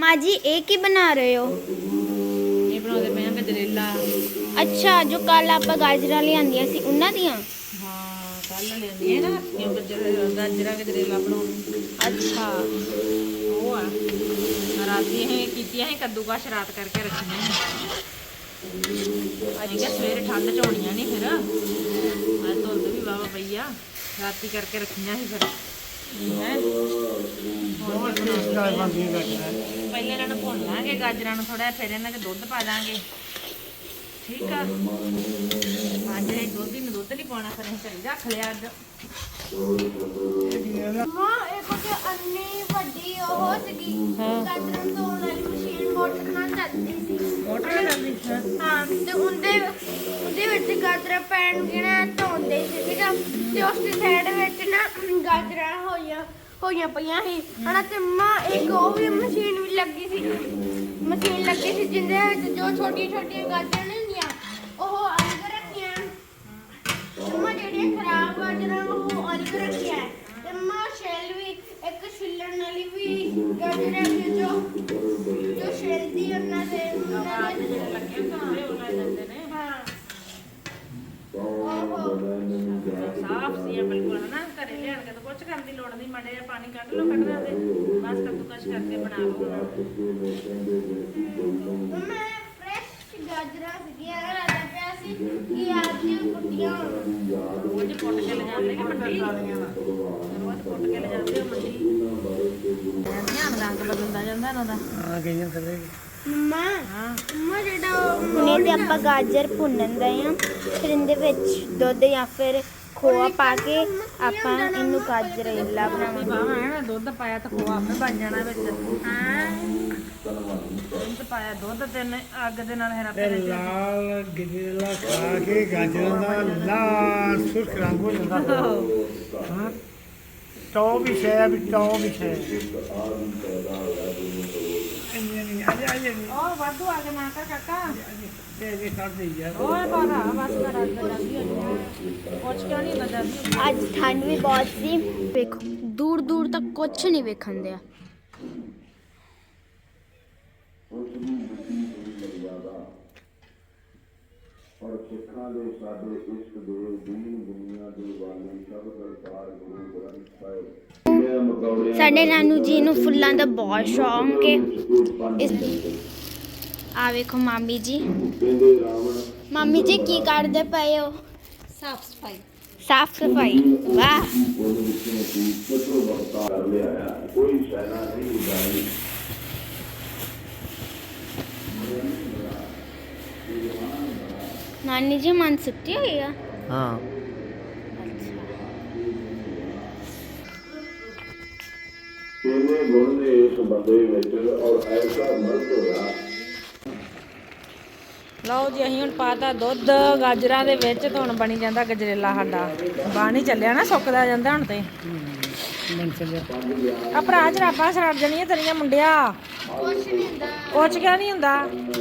माँ जी एक ही बना रहे हो? ये बनाते पे गजरेला। अच्छा, जो कल आप गाजरा लियांदियां सी उन्हां दियां? हाँ कल लेंदी है ना गाजरा गजरेला बनाने। अच्छा। वो आ राती है कीतियां है कद्दूकश रात करके रखियां है। अच्छा सवेरे ठंड च होनियां नहीं फिर अज धुंद भी वावा पई आ राती करके रखियां ही फिर है। पहले इन्होंने भुन लांगे गाजरां नूं थोड़ा फिर इन्हां च दुध पा दांगे ठीक है। अज दुध ही दुध नहीं पाना फिर असीं घरे रख लिया अज। माँ एक तो अन्नी ਵੱਡੀ ਉਹ ਸੀਗੀ ਗਾਜਰਾਂ ਧੋਣ ਵਾਲੀ ਮਸ਼ੀਨ ਮੋਟਰ ਨਾਲ ਚੱਲਦੀ ਸੀ। मोटर चलदी ਹਾਂ ਤੇ ਉਹਦੇ ਵਿੱਚ ਗਾਜਰਾਂ ਪੈਣ ਜਿਹੜਾ ਧੋਂਦੇ ਸੀ ਠੀਕ ਆ ਤੇ ਉਸ ਦੀ ਸਾਈਡ ਵਿੱਚ ਨਾ ਗਾਜਰਾਂ ਹੋਈਆਂ ਪਈਆਂ ਸੀ ਹਨਾ ਤੇ ਮਾਂ ਇੱਕ ਉਹ ਵੀ ਮਸ਼ੀਨ ਵੀ ਲੱਗੀ ਸੀ ਜਿਹਦੇ ਵਿੱਚ ਜੋ ਛੋਟੀਆਂ ਗਾਜਰਾਂ ਨਹੀਂ ਹੁੰਦੀਆਂ ਉਹ ਅਲੱਗ ਰੱਖੀਆਂ ਮਾਂ ਜਿਹੜੀਆਂ ਖਰਾਬ ਗਾਜਰਾਂ ਉਹ ਅਲੱਗ ਰੱਖੀਆਂ ਤੇ ਮਾਂ ਛਿੱਲ ਵੀ ਇੱਕ ਛਿੱਲਣ ਵਾਲੀ ਵੀ ਗਾਜਰਾਂ ਵੀ ਜੋ ਛਿੱਲਦੀ ਉਹਨਾਂ ਦੇ लगे होंगे वो ला जाते ने ਹਾਂ साफ सी है बिल्कुल है ना घरे लियान के तो कुछ करने की लोड़ नहीं मड़े पानी कट लो कटना दे बस कद्दूकश करके बना लो। मैं फ्रेश गाजरा सीगियां राजा पिया सी कि आज कुटियां रोज पुट के ले जाते कि मंडी रोज पुट के ले जाते हो मंडी ध्यान रंग बदलता जाता इन्हां दा। हाँ कहीं करे मम्मा हाँ मम्मा ਜਿਹੜਾ ਹੁਣੇ ਤੇ ਆਪਾਂ ਗਾਜਰ ਭੁੰਨਣ ਦੇ ਆ ਫਿਰ ਇਹਦੇ ਵਿੱਚ ਦੁੱਧ ਜਾਂ ਫਿਰ ਖੋਆ ਪਾ ਕੇ ਆਪਾਂ ਇਹਨੂੰ ਗਾਜਰੇਲਾ ਬਣਾਵਾਂਗੇ। बावा है ना दुध पाया तो खोआ आपे बन जाना विच ਹਾਂ दुध पाया दुध ते अग दे नाल हेरा ਤੇ ਲਾਲ ਗਜਰੇਲਾ ਖਾ ਕੇ ਗਾਜਰਾਂ ਦਾ ਲਾਲ ਸੁਰਖ ਰੰਗ ਹੋ ਜਾਂਦਾ ਹਾਂ ਟੌ ਵੀ ਸ਼ੈ ਵੀ ਟੌ ਵੀ ਸ਼ੈ ਨਹੀਂ ਆਜੇ ओ वाधू आगे ना कर काका ਇਹ ਕਰ ਦੇ ਯਾਰ ओए बारा बस कर अग जल्दी हो जाए कुछ क्यों नहीं लगा जल्दी ਅੱਜ ਠੰਡ ਵੀ ਬਹੁਤ ਸੀ ਵੇਖੋ ਦੂਰ ਦੂਰ ਤੱਕ ਕੁਝ ਨਹੀਂ ਵੇਖਣ ਦਿਆ। ਔਰ ਸਿੱਖਾਂ ਦੇ ਸਾਡੇ ਇਸ਼ਕ ਦੇ ਦੀਨ ਦੁਨੀਆ ਦੇ ਵਾਲੇ ਸਭ ਕਰਤਾਰ ਗੁਰੂ ਗ੍ਰੰਥ ਸਾਹਿਬ ਸਾਡੇ ਨਾਨੂ ਜੀ ਨੂੰ ਫੁੱਲਾਂ ਦਾ ਬਹੁਤ ਸ਼ੌਂਕ ਹੈ। ਆ ਵੇਖੋ ਮਾਮੀ ਜੀ ਮਾਮੀ ਜੀ ਕੀ ਕਰਦੇ ਪਏ ਹੋ? साफ सफाई ਸਾਫ ਸਫਾਈ ਵਾਹ ਕਰ ਲਿਆ ਕੋਈ ਸੈਨਾ ਨਹੀਂ ਉਡਾਈ ਨਾਨੀ ਜੀ ਮਨ ਸੁੱਤੀ ਹੋਈ ਆ। ਹਾਂ ਕਿਵੇਂ ਗੁਣ ਨੇ ਇਸ ਬੰਦੇ ਵਿੱਚ ਔਰ ਐਸਾ ਮਰਦ ਹੋਇਆ। ਲਓ ਜੀ ਅਸੀਂ ਹੁਣ ਪਾਤਾ ਦੁੱਧ ਗਾਜਰਾਂ ਦੇ ਵਿੱਚ ਤੇ ਹੁਣ ਬਣੀ ਜਾਂਦਾ ਗਜਰੇਲਾ ਸਾਡਾ ਬਣ ਹੀ ਚੱਲਿਆ ਨਾ ਸੁੱਕਦਾ ਜਾਂਦਾ ਹੁਣ ਤੇ ਮਨ ਚੱਲਿਆ ਆ ਭਰਾ ਜਰਾਬਾਂ ਸੜ ਜਾਣੀਆਂ ਤੇਰੀਆਂ ਮੁੰਡਿਆ ਕੁਛ ਕਿਉਂ ਨਹੀਂ ਹੁੰਦਾ।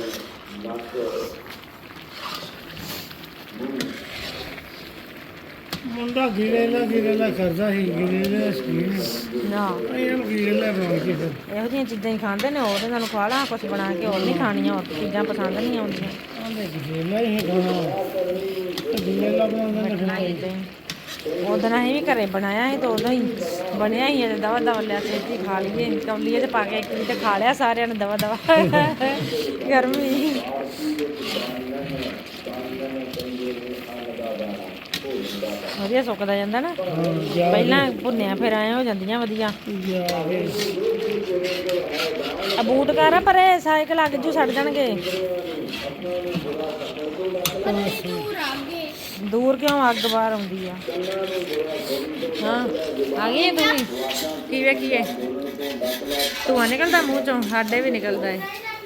ਮੁੰਡਾ ਗਿਰੇਲਾ ਕਰਦਾ ਸੀ ਗਿਰੇਲਾ ਸਕੀਨ ਨਾ ਇਹ ਗਿਰੇਲਾ ਬਣਾ ਕੇ ਫਿਰ ਇਹੋ ਜਿਹੀਆਂ ਚੀਜ਼ਾਂ ਹੀ ਖਾਂਦੇ ਨੇ ਉਹਦੇ ਨਾਲ ਖਵਾ ਲਾ ਕੁਛ ਬਣਾ ਕੇ ਹੋਰ ਨਹੀਂ ਖਾਣੀਆਂ ਹੋਰ ਚੀਜ਼ਾਂ ਪਸੰਦ ਨਹੀਂ ਆਉਂਦੀਆਂ। ਆਂਦੇ ਗਿਰੇਲਾ ਹੀ ਖਾਣਾ ਗਿਰੇਲਾ ਬਣਾਉਂਦਾ ਨਾ ਉਦੋਂ ਅਸੀਂ ਵੀ ਘਰੇ ਬਣਾਇਆ ਸੀ ਤਾਂ ਉਦੋਂ ਹੀ ਬਣਿਆ ਹੀ ਤੇ ਦਵਾ ਦਵਾ ਲਿਆ ਛੇਤੀ ਖਾ ਲਈਏ ਕੌਲੀਏ 'ਚ ਪਾ ਕੇ ਇੱਕ ਵੀ ਤੇ ਖਾ ਲਿਆ ਸਾਰਿਆਂ ਨੇ ਦਵਾ ਦਵਾ ਗਰਮੀ ਵਧੀਆ ਸੁੱਕਦਾ ਜਾਂਦਾ ਨਾ ਪਹਿਲਾਂ ਭੁੰਨਿਆ ਫਿਰ ਆਏ ਹੋ ਜਾਂਦੀਆਂ ਵਧੀਆ। ਆ ਬੂਟ ਕਰ ਪਰੇ ਸਾਈਕਲ ਅੱਗ ਜੂ ਛੱਡ ਜਾਣਗੇ। ਦੂਰ ਕਿਉਂ ਅੱਗ ਬਾਹਰ ਆਉਂਦੀ ਆ। ਹਾਂ ਆ ਗਈ ਤੂੰ ਵੀ ਕਿਵੇਂ ਕੀਏ ਧੂੰਆਂ ਨਿਕਲਦਾ ਮੂੰਹ ਚੋਂ ਸਾਡੇ ਵੀ ਨਿਕਲਦਾ ਹੈ।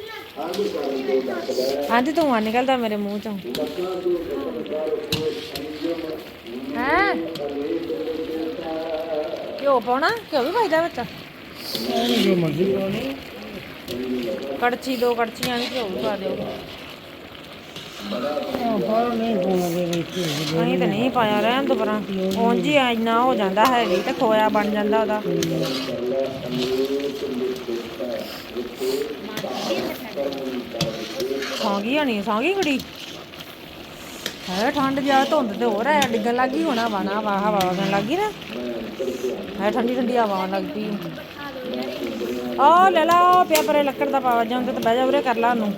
ਹਾਂਜੀ ਧੂੰਆਂ ਨਿਕਲਦਾ ਮੇਰੇ ਮੂੰਹ ਚੋਂ ਹੈ। ਘਿਓ ਪਾਉਣਾ ਘਿਓ ਵੀ ਪਾਈਦਾ ਵਿੱਚ ਜੋ ਮਰਜ਼ੀ ਕਰੋ ਕੜਛੀ ਦੋ ਕੜਛੀਆਂ ਵੀ ਘਿਓ ਵੀ ਪਾ ਦਿਓ। ਪਰ ਨਹੀਂ ਪਾਉਣਾ ਦੇ ਵਿੱਚ ਅਸੀਂ ਤਾਂ ਨਹੀਂ ਪਾਇਆ, ਰਹਿਣ ਤੋਂ ਪਰਾਂ ਉਂਝ ਹੀ ਇੰਨਾ ਹੋ ਜਾਂਦਾ ਹੈਵੀ ਤੇ ਖੋਇਆ ਬਣ ਜਾਂਦਾ ਉਹਦਾ। ਸੌਂ ਗਈ ਹੋਣੀ, ਸੌਂ ਗਈ ਕੁੜੀ ਹੈ। ਠੰਡ ਜਾ ਧੁੰਦ ਤੇ ਹੋਰ ਹੈ, ਡਿੱਗਣ ਲੱਗ ਗਈ ਹੋਣਾ ਵਾ ਨਾ ਵਾ, ਹਵਾ ਵਗਣ ਲੱਗ ਗਈ ਨਾ ਹੈ, ਠੰਡੀ ਠੰਡੀ ਹਵਾ ਆਉਣ ਲੱਗ ਪਈ। ਆ ਲੈ ਲਾ ਪਿਆ ਪਰੇ ਲੱਕੜ ਦਾ ਪਾਵਾ ਜਾਂਦਾ ਤੇ ਬਹਿ ਜਾ ਉਰੇ ਕਰ ਲਾ ਉਹਨੂੰ।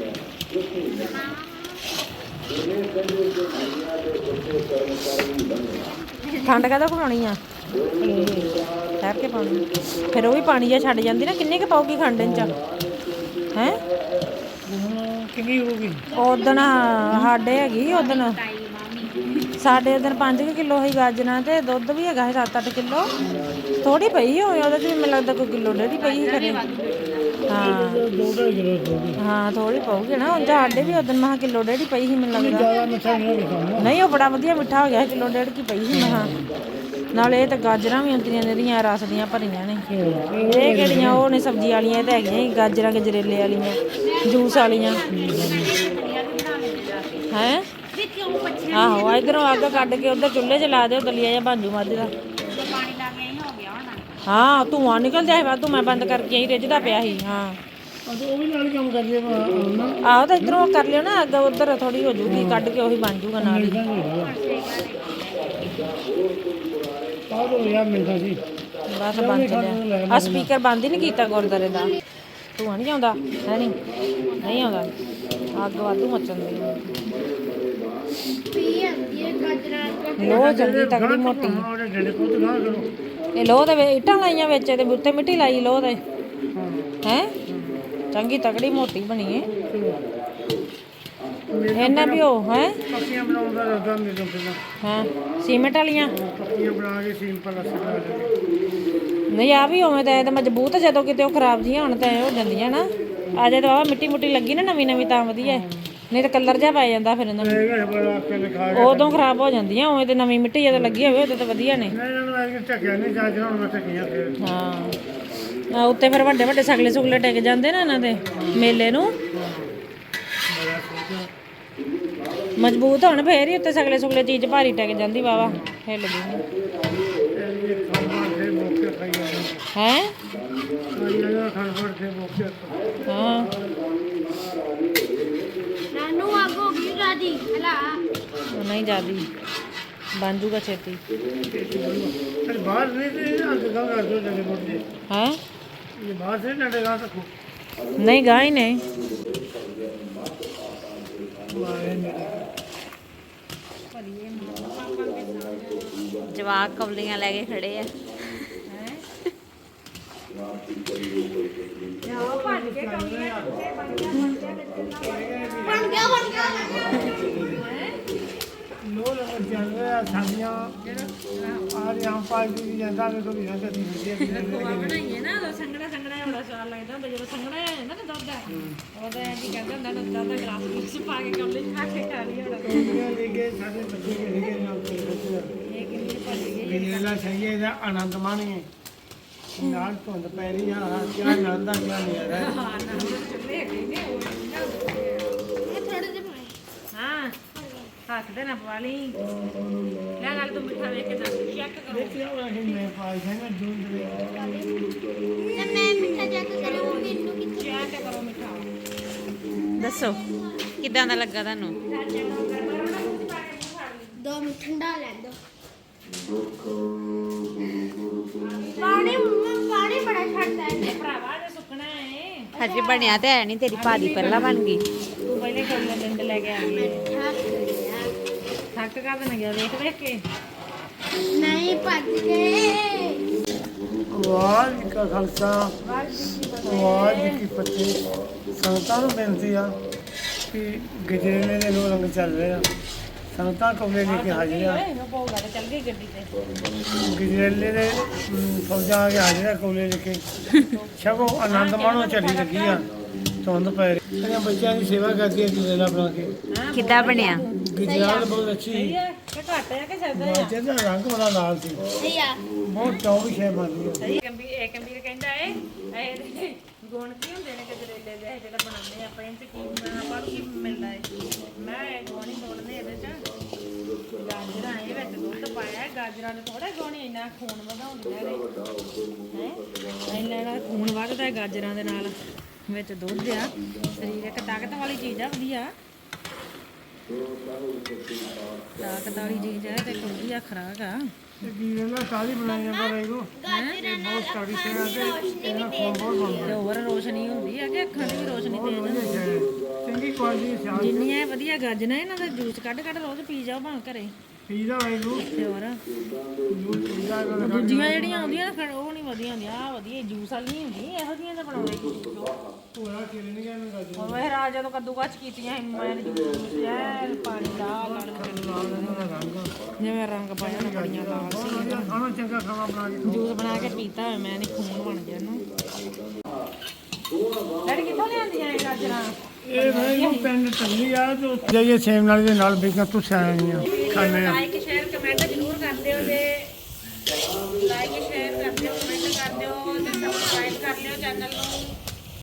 ਠੰਡ ਕਾਹਦਾ ਬਣਾਉਣੀ ਆ, ਠਹਿਰ ਕੇ ਪਾਉਣੀ ਫਿਰ ਉਹ ਵੀ ਪਾਣੀ ਜਿਹਾ ਛੱਡ ਜਾਂਦੀ ਨਾ। ਕਿੰਨੇ ਕੁ ਪਾਉਗੀ ਖੰਡ ਚ ਹੈ? ਕਿੰਨੀ ਹੋ ਗਈ? ਉਦਣ ਸਾਡੇ ਹੈਗੀ, ਉਦਣ ਸਾਡੇ ਉਦਣ 5 ਕਿਲੋ ਸੀ ਗਾਜਰਾਂ ਤੇ ਦੁੱਧ ਵੀ ਹੈਗਾ ਸੀ 7-8 ਕਿਲੋ। ਥੋੜੀ ਪਈ ਹੋਵੇ ਉਹਦੇ ਚ ਵੀ, ਮੈਨੂੰ ਲੱਗਦਾ ਕੋਈ ਕਿਲੋ ਡੇਢ ਹੀ ਪਈ ਸੀ ਘਰੇ। ਹਾਂ 2.5 ਕਿਲੋ ਹਾਂ ਥੋੜੀ ਪਾਉਗੀ ਨਾ। ਉਂਝ ਸਾਡੇ ਵੀ ਉਦਣ ਮਹਾ ਕਿਲੋ ਡੇਢ ਹੀ ਪਈ ਸੀ ਮੈਨੂੰ ਲੱਗਦਾ। ਜ਼ਿਆਦਾ ਮਿੱਠਾ ਨਹੀਂ ਹੋਣਾ। ਨਹੀਂ ਉਹ ਬੜਾ ਵਧੀਆ ਮਿੱਠਾ ਹੋ ਗਿਆ ਸੀ, ਕਿਲੋ ਡੇਢ ਕੀ ਪਈ ਸੀ ਮਹਾ। ਨਾਲੇ ਇਹ ਤਾਂ ਗਾਜਰਾਂ ਵੀ ਹੁੰਦੀਆਂ ਜਿਹੜੀਆਂ ਰਸ ਦੀਆਂ ਭਰੀਆਂ ਨੇ। ਇਹ ਕਿਹੜੀਆਂ ਉਹ ਨੇ ਸਬਜ਼ੀ ਵਾਲੀਆਂ, ਇਹ ਤਾਂ ਹੈਗੀਆਂ ਸੀ ਗਾਜਰਾਂ ਗਜਰੇਲੇ ਵਾਲੀਆਂ, ਜੂਸ ਵਾਲੀਆਂ ਹੈ। ਆਹੋ ਇਧਰੋਂ ਅੱਗ ਕੱਢ ਕੇ ਉਧਰ ਚੁੱਲ੍ਹੇ 'ਚ ਲਾ ਦਿਓ, ਦਲੀਆ ਜਿਹਾ ਬਣ ਜੂ ਮੱਝ ਦਾ। ਹਾਂ ਧੂੰਆਂ ਨਿਕਲ ਜਾਏ ਵਾਧੂ, ਮੈਂ ਬੰਦ ਕਰਕੇ ਆਈ, ਰਿੱਝਦਾ ਪਿਆ ਸੀ। ਹਾਂ ਉਹ ਵੀ ਨਾਲ ਕੰਮ ਕਰ ਲਿਆ ਆਹੋ ਤਾਂ ਇਧਰੋਂ ਕਰ ਲਿਓ ਨਾ ਅੱਗ, ਉਧਰ ਥੋੜੀ ਹੋ ਜੂਗੀ, ਕੱਢ ਕੇ ਉਹੀ ਬਣ ਜੂਗਾ ਨਾਲ ਹੀ। ਆਹ ਯਾਰ ਮਿਲਦਾ ਸੀ ਬਸ ਬਣ ਚੱਲਿਆ। ਆ ਸਪੀਕਰ ਬੰਦ ਹੀ ਨਹੀਂ ਕੀਤਾ ਗੁਰਦੁਆਰੇ ਦਾ। ਧੂੰਆਂ ਨਹੀਂ ਆਉਂਦਾ ਹੈ? ਨਹੀਂ ਆਉਂਦਾ, ਅੱਗ ਵਾਧੂ ਮੱਚਣ ਦੀ। ਪੀ ਆਂਦੀ ਹੈ ਗਾਜਰਾਂ ਲੋਹ ਚੰਗੀ ਤਗੜੀ ਮੋਟੀ। ਉਹਦੇ ਡੰਡੇ ਕੋਲ ਨਾ ਕਰੋ। ਇਹ ਲੋਹ ਦੇ ਇੱਟਾਂ ਲਾਈਆਂ ਵਿੱਚ, ਇਹਦੇ ਉੱਤੇ ਮਿੱਟੀ ਲਾਈ ਲੋਹ ਦੇ ਹੈ। ਚੰਗੀ ਤਗੜੀ ਮੋਟੀ ਬਣੀ ਏ। ਇਹਨਾਂ ਵੀ ਉਹ ਹੈ ਪੱਕੀਆਂ ਬਣਾਉਂਦਾ ਰੱਦਾ ਮੇਰੇ ਪਹਿਲਾਂ। ਹਾਂ ਸੀਮੈਂਟ ਵਾਲੀਆਂ ਪੱਕੀਆਂ ਬਣਾ ਕੇ ਸਿੰਪਲ ਅਸਰ ਨਹੀਂ ਆ ਵੀ ਉਵੇਂ ਤਾਂ ਇਹ ਤਾਂ ਮਜ਼ਬੂਤ, ਜਦੋਂ ਕਿਤੇ ਉਹ ਖਰਾਬ ਜੀਆਂ ਹੋਣ ਤਾਂ ਇਹ ਹੋ ਜਾਂਦੀਆਂ ਨਾ। ਆ ਜੇ ਤਾਂ ਮਿੱਟੀ ਮੁੱਟੀ ਲੱਗੀ ਨਾ ਨਵੀਂ ਤਾਂ ਵਧੀਆ ਹੈ, ਨਹੀਂ ਤਾਂ ਕਲਰ ਜਿਹਾ ਪੈ ਜਾਂਦਾ ਫਿਰ ਇਹਨਾਂ ਨੂੰ, ਉਦੋਂ ਖਰਾਬ ਹੋ ਜਾਂਦੀਆਂ। ਉਵੇਂ ਤੇ ਨਵੀਂ ਮਿੱਟੀ ਜਦੋਂ ਲੱਗੀ ਹੋਵੇ ਉਦੋਂ ਤਾਂ ਵਧੀਆ ਨੇ। ਹਾਂ ਉੱਤੇ ਫਿਰ ਵੱਡੇ ਵੱਡੇ ਸਗਲੇ ਸੁਗਲੇ ਟਿਕ ਜਾਂਦੇ ਨਾ ਇਹਨਾਂ ਦੇ ਮੇਲੇ ਨੂੰ, ਮਜ਼ਬੂਤ ਹੋਣ ਫੇਰ ਹੀ ਉੱਤੇ ਸਗਲੇ ਸੁਗਲੇ ਚੀਜ਼ ਭਾਰੀ ਟਿਕ ਜਾਂਦੀ ਵਾਵਾ, ਹਿੱਲਦੀ ਨਹੀਂ ਹੈ। ਹਾਂ ਨਾਨੂ ਅੱਗ ਹੋ ਗਈ ਰਾਦੀ ਹਲਾ ਨਹੀਂ ਜਾਂਦੀ, ਬਣ ਜੂਗਾ ਛੇਤੀ ਬਾਹਰ ਨਹੀਂ ਕਰ ਦੋ ਡੰਡੇ ਮੋਟੇ ਹੈ। ਇਹ ਬਾਹਰ ਸੇ ਡੰਡੇ ਗਾ ਸਕੋ ਨਹੀਂ ਗਾਂ ਹੀ ਨਹੀਂ। ਜਵਾਕ ਕਵਲੀਆਂ ਲੈ ਕੇ ਖੜੇ ਆ। ਬਣ ਗਿਆ ਲੋ ਲੰਗਰ ਚੱਲ ਰਿਹਾ ਸਾਡੀਆਂ ਆ ਰਹੀ ਹਮ ਪਾਈ ਦੀ ਜਾਂਦਾ ਕਿ ਕੋਈ ਨਾ ਕਦੀ ਬਣਾਈਏ ਨਾ ਉਹ ਸੰਗਣਾ ਬੜਾ ਸਵਾਦ ਲੱਗਦਾ ਹੁੰਦਾ ਜਦੋਂ ਸੰਗਣਾ ਹੈ ਨਾ ਦੁੱਧ ਉਹਦਾ ਐਂ ਕਹਿੰਦਾ ਹੁੰਦਾ ਦੁੱਧ ਦਾ ਗਲਾਸ ਵਿੱਚ ਪਾ ਕੇ ਕਮਲੇ ਚ ਖਾ ਕੇ ਖਾ ਲਈ ਹੋਣਾ। ਲੈ ਕੇ ਸਾਡੇ ਬੱਚੇ ਲੈ ਕੇ ਨਾਲ ਇਹ ਕਿੰਨੀ ਭੱਜ ਗਈ। ਮੇਲਾ ਸਹੀ ਹੈ ਇਹਦਾ ਆਨੰਦ ਮਾਣੀਏ। ਨਾਲ ਧੁੰਦ ਪੈ ਰਹੀ ਆ, ਕਿਆ ਆਨੰਦ ਆ ਕਿਆ ਨਹੀਂ ਆ ਰਿਹਾ। ਹਾਂ ਨਾ ਚੁੱਲੇ ਹੈਗੇ ਨੇ ਉਹ ਥੋੜੇ ਜਿਹੇ ਪਾਏ ਹਾਂ ਹੱਥ ਦੇ ਨਾ ਪਵਾ ਲਈ। ਲੈ ਨਾਲ ਤੂੰ ਮਿੱਠਾ ਵੇਖ ਕੇ ਦੱਸ ਚੈੱਕ ਕਰੋ। ਦੇਖਿਆ ਹੋਇਆ ਕਿ ਮੈਂ ਪਾਈ ਜਾਣਾ ਜੂਨ ਦੇ ਤੇ ਮੈਂ ਮਿੱਠਾ ਚੈੱਕ ਕਰਾਂ ਉਹ ਮੈਨੂੰ ਕਿੱਥੇ ਚੈੱਕ ਕਰੋ ਮਿੱਠਾ। ਦੱਸੋ ਕਿੱਦਾਂ ਦਾ ਲੱਗਾ ਤੁਹਾਨੂੰ? 2 ਮਿੰਟ ਠੰਡਾ ਲੈਣ ਦੋ। ਪਾਣੀ ਬੜਾ ਛੱਡਦਾ ਹੈ ਭਰਾਵਾ ਜੇ ਸੁੱਕਣਾ ਹੈ। ਹਜੇ ਬਣਿਆ ਤੇ ਹੈ ਨਹੀਂ, ਤੇਰੀ ਭਾਜੀ ਪਹਿਲਾਂ ਬਣ ਗਈ। ਤੂੰ ਪਹਿਲੇ ਕਰ ਡੰਡੇ ਲੈ ਕੇ ਆ ਗਈ। ਥੱਕ ਕਰ ਦੇਣਾ ਗਿਆ ਵੇਖ ਕੇ। ਨਹੀਂ ਭੱਜ ਗਏ। ਵਾਹਿਗੁਰੂ ਕਾ ਖਾਲਸਾ ਵਾਹਿਗੁਰੂ ਕੀ ਫਤਿਹ। ਸੰਗਤਾਂ ਨੂੰ ਬੇਨਤੀ ਆ ਕਿ ਗਜਰੇਲੇ ਦੇ ਲੋ ਰੰਗ ਚੱਲ ਰਹੇ ਆ, ਸੰਗਤਾਂ ਕਮਰੇ ਲੈ ਕੇ ਹਾਜ਼ਰ ਆ। ਪਊਗਾ ਤੇ ਚੱਲ ਗਈ ਗੱਡੀ ਤੇ। ਗਜਰੇਲੇ ਦੇ ਫੌਜਾਂ ਆ ਕੇ ਹਾਜ਼ਰ ਆ ਕੋਲੇ ਲੈ ਕੇ। ਛਕੋ ਆਨੰਦ ਮਾਣੋ, ਚੱਲੀ ਲੱਗੀ ਆ, ਧੁੰਦ ਪੈ ਰਹੀ। ਇਹਨਾਂ ਬੱਚਿਆਂ ਦੀ ਸੇਵਾ ਕਰਦੀ ਹੈ ਗਜਰੇਲਾ ਬਣਾ ਕੇ। ਕਿੱਦਾਂ ਬਣਿਆ? ਗਜਰੇਲਾ ਬਹੁਤ ਅੱਛੀ ਸੀ। ਕਿ ਘੱਟ ਹੈ ਕਿ ਜ਼ਿਆਦਾ ਹੈ? ਬੱਚੇ ਦਾ ਰੰਗ ਬੜਾ ਲਾਲ ਸੀ, ਸਹੀ ਆ ਬਹੁਤ ਟੌਪ ਸ਼ੈ ਬਣਦੀ ਹੈ। ਇਹ ਕੰਬੀਰ ਕਹਿੰਦਾ ਏ ਇਹ ਗੁਣ ਕੀ ਹੁੰਦੇ ਨੇ ਗਜਰੇਲੇ ਦੇ ਜਿਹੜਾ ਬਣਾਉਂਦੇ ਆਪਾਂ ਇਹ 'ਚ ਕੀ ਆਪਾਂ ਨੂੰ ਕੀ ਮਿਲਦਾ ਹੈ ਮੈਂ ਇਹ ਗੁਣ ਹੀ ਤੋੜਨੇ ਇਹਦੇ 'ਚ ਗਾਜਰਾਂ ਇਹ ਵਿੱਚ ਦੁੱਧ ਪਾਇਆ ਗਾਜਰਾਂ ਦੇ ਥੋੜੇ ਗੁਣ ਇੰਨਾ ਖੂਨ ਵਧਾਉਂਦੀਆਂ ਨੇ ਹੈ ਇੰਨਾ ਖੂਨ ਵੱਧਦਾ ਹੈ ਗਾਜਰਾਂ ਦੇ ਨਾਲ ਵਿੱਚ ਦੁੱਧ ਆ ਸਰੀਰਕ ਤਾਕਤ ਵਾਲੀ ਚੀਜ਼ ਆ ਵਧੀਆ ਤਾਕਤ ਵਾਲੀ ਚੀਜ਼ ਹੈ ਤੇ ਵਧੀਆ ਖੁਰਾਕ ਆ ਤੇ ਕੀ ਇਹਨਾਂ ਸਾਰੀ ਬਣਾਈ ਜਾਂਦਾ ਰਹੇਗਾ ਗਾਜਰਾਂ ਨਾਲ ਸਟੱਡੀ ਅੱਖਾਂ ਦੀ ਰੋਸ਼ਨੀ ਵੀ ਤੇਜ਼ ਤੇ ਹੋਰ ਰੋਸ਼ਨੀ ਹੁੰਦੀ ਹੈ ਕਿ ਅੱਖਾਂ ਦੀ ਵੀ ਰੋਸ਼ਨੀ ਤੇਜ਼ ਹੁੰਦੀ ਹੈ ਚੰਗੀ ਕੁਆਲਿਟੀ ਸਿਆਲ ਜਿੰਨੀਆਂ ਇਹ ਵਧੀਆ ਗਾਜਰਾਂ ਇਹਨਾਂ ਦਾ ਜੂਸ ਕੱਢ ਰੋਜ਼ ਪੀ ਜਾਓ ਭਾਵੇਂ ਘਰੇ ਪੀਜ਼ਾ ਵਾਂਗੂ ਤੇ ਹੋਰ ਪੀਜ਼ਾ ਉਹ ਦੂਜੀਆਂ ਜਿਹੜੀਆਂ ਆਉਂਦੀਆਂ ਨਾ ਉਹ ਨਹੀਂ ਵਧੀਆ ਹੁੰਦੀਆਂ ਆ ਵਧੀਆ ਜੂਸ ਵਾਲੀ ਨਹੀਂ ਹੁੰਦੀ ਇਹੋ ਜਿਹੀਆਂ ਤਾਂ ਬਣਾਉਂਦੇ ਪੂਰਾ ਕਿਰਨੀਆਂ ਨੂੰ ਗੱਜ ਹੁਣ ਵੇ ਰਾਜ ਜਦੋਂ ਕੱਦੂਕਸ ਕੀਤੀਆਂ ਸੀ ਮੈਂ ਜੂਸ ਐ ਪਾਣੀ ਲਾਲ ਜਿਵੇਂ ਰੰਗ ਪਾਇਆ ਨਾ ਬੜੀਆਂ ਲਾਲ ਸੀ ਖਾਣਾ ਚੰਗਾ ਖਾਣਾ ਬਣਾ ਕੇ ਜੂਸ ਬਣਾ ਕੇ ਪੀਤਾ ਹੋਇਆ ਮੈਂ ਨਹੀਂ ਖੂਨ ਬਣ ਗਿਆ ਇਹਨੂੰ ਡੈਡੀ ਕਿੱਥੋਂ ਲਿਆਂਦੀਆਂ ਇਹ ਗਾਜਰਾਂ ਇਹ ਭਾਈ ਪਿੰਡ ਟੱਲੀ ਆ ਤੇ ਜਾਈਏ ਸੇਮ ਨਾਲ ਦੇ ਨਾਲ ਬੇਕਾਂ ਤੁਸਾਂ ਆਈਆਂ ਖਾਣੇ ਆ